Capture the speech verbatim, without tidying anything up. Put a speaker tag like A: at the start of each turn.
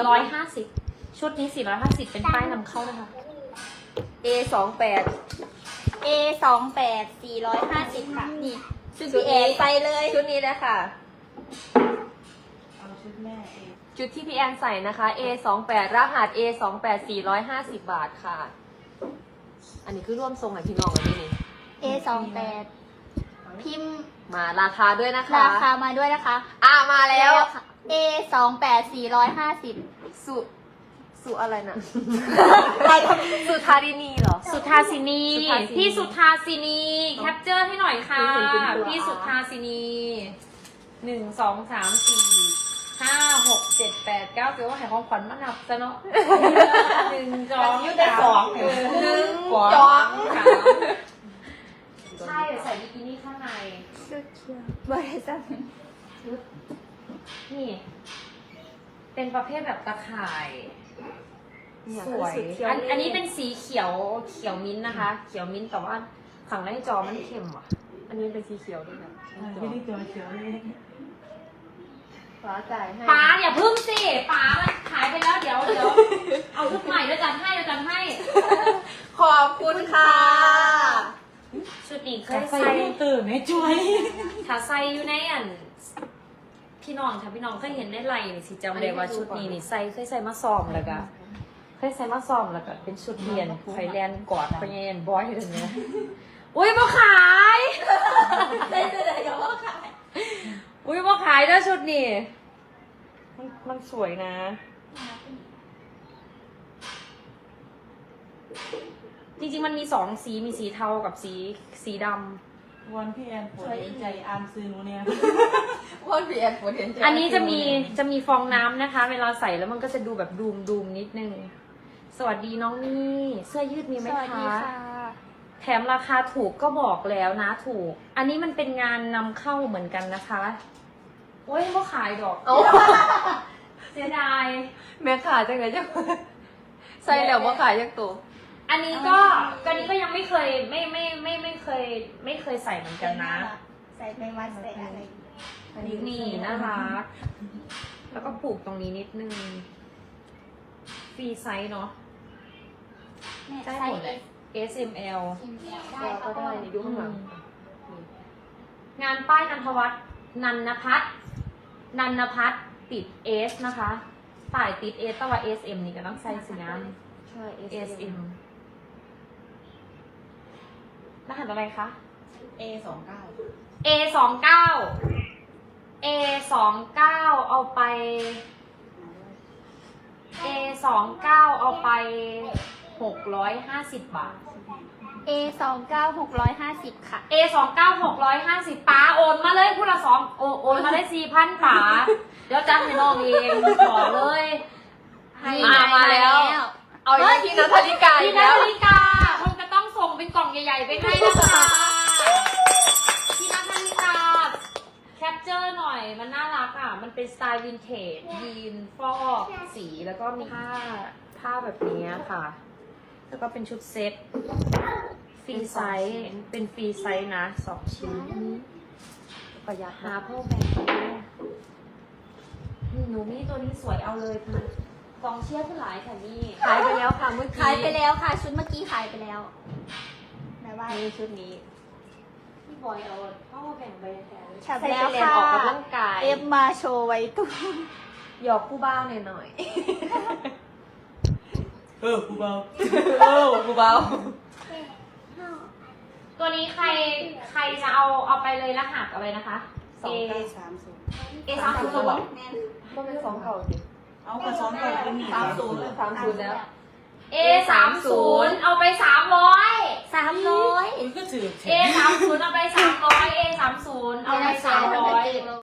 A: ร้อยห้าสิบชุดนี้สี่ร้อยห้าสิบเป็นป้ายนำเข้านะคะ
B: เอ สองแปด
C: เอ สองแปด สี่ร้อยห้าสิบค่ะนี่ชุดพี่แอนไปเลย
B: ชุดนี้เลยค่ะ
D: เอาชุดแม่เอง
B: ชุดที่พี่แอนใส่นะคะ เอ สองแปด รหัส เอ สองแปด สี่ร้อยห้าสิบบาทค่ะ อันนี้คือร่วมทรงกับพี่น้องอันนี้นี่
C: เอ สองแปด พิมพ์
B: มาราคาด้วยนะคะ
C: ราคามาด้วยนะคะ
B: อ่ะมาแล้ว
C: ค่ะ เอ สองแปด สี่ร้อยห้าสิบ
B: สุสุอะไรนะ สุธารินีเหรอ
A: สุทาสินี
B: สุทาสินี
A: พี่สุทาสินีแคปเจอร์ให้หน่อยค่ะ
B: เห็นเป็นตัว
A: พี่สุทาสินีหนึ่งสองสามสี่ห้าหกเจ็ดแปดเก้าเดี๋ยวว่าให้ของขวัญมานับซะเนาะหนึ่งสอง
D: ยุดได้สอง
A: เออหนึ่ง
B: สอง
A: สองสามใช่ใส่บิกินี่ข้างใน
C: ชุดเขียวบริษัท
A: นี่ เป็นประเภทแบบตะข่าย
B: เนี่ย
A: สวย
B: คือสุดเขียว
A: อัน
B: นี่
A: อันนี้เป็นสีเขียวเขียวมิ้นท์นะคะ เขียวมิ้นท์แต่ว่าฝั่งในจอมันเข้มว่ะ
B: อันนี้เป็นสีเขียวด้วยนะ
D: ไม่ได้ตัวเขียวเลย
B: ฟ้าจ่ายให้
A: ป๋าอย่าพึ่งสิป๋ามันขายไปแล้วเดี๋ยวเดี๋ยวเอาชุดใหม่แล้วจัดให้แล้วจัดให้
B: ขอบคุณค่ะ
A: ชุดนี้เคย
D: ใส่
A: ใส่
D: ตื่นไม่ช่วย
A: ถ้าใส่อยู่ในอันพี่น้องถ้าพี่น้องเคยเห็นในไลน์นี่สิจำได้ว่าชุดนี้นี่ใส่เคยใส่มาซ้อมแล้วก็เคยใส่มาซ้อมแล้วก็เป็นชุดเรียนไฟแลนด์กอดไฟแลนด์บอยอยู่ตรงนี้อุ้ยมาขาย
C: ได้จะได้ก็ว่าขาย
A: อุ้ยมาขายด้วยชุดนี้มันมันสวยนะ จริงๆมันมีสองสีมีสีเทากับสีสีดำ
D: วันพี่แอนปวดเห็นใจอามซื้อหนูเนี่ย
B: พ่นพี่แอนปวดเห็นใจ
A: อันนี้จะมีจะมีฟองน้ำนะคะ เวลาใส่แล้วมันก็จะดูแบบดูมดูมนิดนึง สวัสดีน้องนี่เสื้อยืดมีไหม
C: สวัสดี
A: คะ
C: ค่ะ
A: แถมราคาถูกก็บอกแล้วนะถูก อันนี้มันเป็นงานนำเข้าเหมือนกันนะคะโอ้ยว่าขายดอก
B: โอ้
A: เสียดาย
B: แม่ขายจังเลยจ้ะใส่แล้วว่าขายยังตัว
A: อันนี้ก็อันนี้ก็ยังไม่เคยไม่ไม่ไม่ไม่เคย ไม่เคยใส่เหมือนกันนะ
C: ใส่ไปวัดใส่อะไร
A: อันนี้นี่น่ารัก แล้วก็ผูกตรงนี้นิดนึง ฟรีไซส์เนาะ
C: แม่
A: ได้
C: ใส่
A: หมดเลย เอส เอ็ม แอล
C: ได้
B: ก็ได้นี่ดูข้างหลัง
A: งานป้ายนันทวัฒน์นันนพัฒน์นันนพัฒน์ติดเอสนะคะป้ายติดเอสแต่ว่า เอส เอ็ม นี่ก็ต้องใส่สีน้
B: ใช่
A: ำ เอส เอ็ม รหัสอะไรคะ
D: เอสองเก้า
A: เอ สองเก้า เอ สองเก้า เอาไป เอ สองเก้า เอาไปหกร้อยห้าสิบบาท
C: เอ สองเก้า หกร้อยห้าสิบค่ะ
A: เอ สองเก้า หกร้อยห้าสิบป๋าโอนมาเลยพูดละสองโอโอนมาได้สี่พันป๋าเดี๋ยวจัดให้น้องเองขอเลย ให้
B: มามาแล้ว เอาอย่างที่นัทธริกาอี
A: พี่
B: ก
A: นา
B: แล้ว
A: ฬิกาคงจะต้องส่งเป็นกล่องใหญ่ๆไปให้นะคะพี่นาฬิกาแคปเจอร์หน่อยมันน่ารักอ่ะ มันเป็นสไตล์วินเทจยีนฟอกสีแล้วก็มีผ้าผ้าแบบนี้ค่ะ แล้วก็เป็นชุดเซ็ตฟรีไซส์เป็นฟรีไซส์นะสองชิ้น
B: ประหยัด
A: หาเพิ่มแบ่งไปด้วยหนูนี่ตัวนี้สวยเอาเลยค่ะกองเชียร์ผู้หลายค่ะนี่
B: ขายไปแล้วค่ะเมื่อกี้
C: ขายไปแล้วค่ะ ชุดเมื่อกี้ขายไปแล้วไหนว่า
B: นี่ชุดนี้
A: พี่บอยเอาพ่อแบ่งไปแทน
C: ฉับ
B: ใส่
C: แล้ว
B: ไปเรียน
C: ค่ะ
B: ออกกำลังกาย
C: เอฟมาโชว์ไว้ตู้
B: หยอกผู้บ้าหน่อยหน่อย
D: เออกูเบา
B: เออผู้เบา
A: ตัวนี้ใครใครจะเอาเอาไปเลยรหัสอะไรนะคะ
B: สองเก้า
D: สามศูนย์
A: เอสามศูนย์
B: ก็เป็นสองเก่าสิ
D: เอากระสองก่อนเป็นหนี
B: สามศูนย์สามศูนย์แล้ว
A: เอสามศูนย์เอาไปสามร้อย
C: สามร้อย
D: อุ้ยก็ถือ
A: เอสามศูนย์เอาไปสามร้อยเอสามศูนย์เอาไปสามร้อย